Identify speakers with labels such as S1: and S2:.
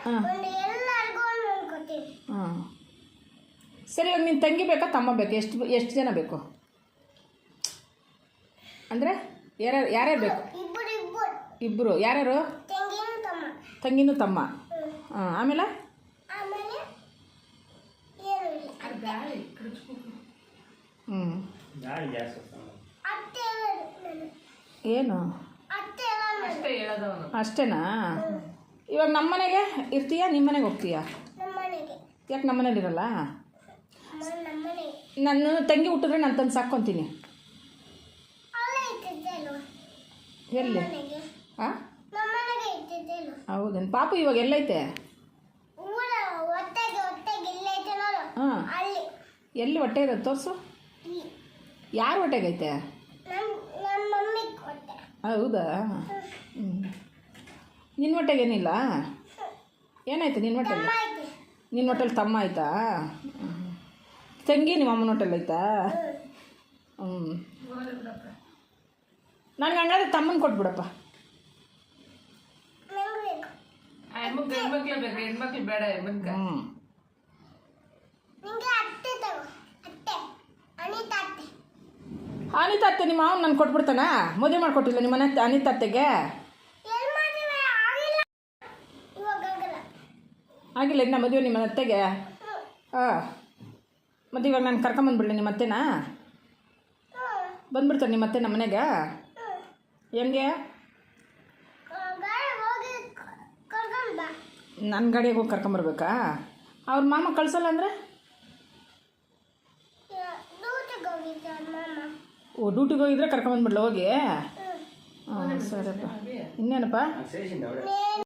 S1: ಹಾಂ ಹಾಂ ಸರಿ, ಇವಾಗ ನಿನ್ನ ತಂಗಿ ಬೇಕಾ ತಮ್ಮ ಬೇಕಾ? ಎಷ್ಟು ಜನ ಬೇಕು ಅಂದರೆ ಯಾರ್ಯಾರು ಬೇಕು? ಇಬ್ಬರು. ಯಾರ್ಯಾರು? ತಂಗಿನೂ ತಮ್ಮ. ಹಾಂ, ಆಮೇಲೆ ಏನು ಅಷ್ಟೇನಾ? ಇವಾಗ ನಮ್ಮ ಮನೆಗೆ ಇರ್ತೀಯಾ, ನಿಮ್ಮ ಮನೆಗೆ ಹೋಗ್ತೀಯಾ? ಯಾಕೆ ನಮ್ಮ ಮನೇಲಿ ಇರಲ್ಲ? ನಾನು ತಂಗಿ ಹುಟ್ಟಿದ್ರೆ ನಾನು ತಂದು ಸಾಕ್ಕೊತೀನಿ. ಎಲ್ಲಿ? ಹಾಂ, ಹೌದೇನು? ಪಾಪು ಇವಾಗ ಎಲ್ಲೈತೆ? ಹಾಂ, ಎಲ್ಲಿ ಹೊಟ್ಟೆ ಇರೋದು ತೋರಿಸು. ಯಾರು ಹೊಟ್ಟೆಗೈತೆ? ಹೌದಾ? ನಿನ್ನ ಹೊಟ್ಟೆಗೇನಿಲ್ಲ? ಏನಾಯ್ತು ನಿನ್ನ ಹೊಟ್ಟೆಲಿ? ನಿನ್ನ ಹೊಟ್ಟೆಲಿ ತಮ್ಮ ಆಯ್ತಾ? ತಂಗಿ ನಿಮ್ಮ ಅಮ್ಮನ ಹೊಟ್ಟೆಲಿ ಆಯ್ತಾ? ನನಗೆ ಹಂಗಾದ್ರೆ ತಮ್ಮನ ಕೊಟ್ಬಿಡಪ್ಪ. ಅನಿತಾ ಅತ್ತೆ ನಿಮ್ಮ ಮಾವನ ನಾನು ಕೊಟ್ಬಿಡ್ತಾನ? ಮದುವೆ ಮಾಡಿಕೊಟ್ಟಿಲ್ಲ ನಿಮ್ಮ ಮನೆ ಅನಿತಾ ಅತ್ತೆಗೆ? ಆಗಿಲ್ಲ ಇನ್ನು ಮದುವೆ ನಿಮ್ಮ ಅತ್ತೆಗೆ? ಹಾಂ, ಮತ್ತು ಇವಾಗ ನಾನು ಕರ್ಕೊಂಬಂದ್ಬಿಡಲಿ ನಿಮ್ಮ ಅತ್ತೆನಾ? ಬಂದ್ಬಿಡ್ತಾರೆ ನಿಮ್ಮ ಅತ್ತೆ ನಮ್ಮ ಮನೆಗೆ? ಹೆಂಗೆ? ನನ್ನ ಗಾಡಿಗೆ ಹೋಗಿ ಕರ್ಕೊಂಬರ್ಬೇಕಾ? ಅವ್ರ ಮಾಮ ಕಳ್ಸಲ್ಲ ಅಂದರೆ? ಓ, ಡ್ಯೂಟಿಗೆ ಹೋಗಿದ್ರೆ ಕರ್ಕೊಂಬಂದ್ಬಿಡ್ಲ ಹೋಗಿ? ಹಾಂ, ಸರಿಯಪ್ಪ. ಇನ್ನೇನಪ್ಪ?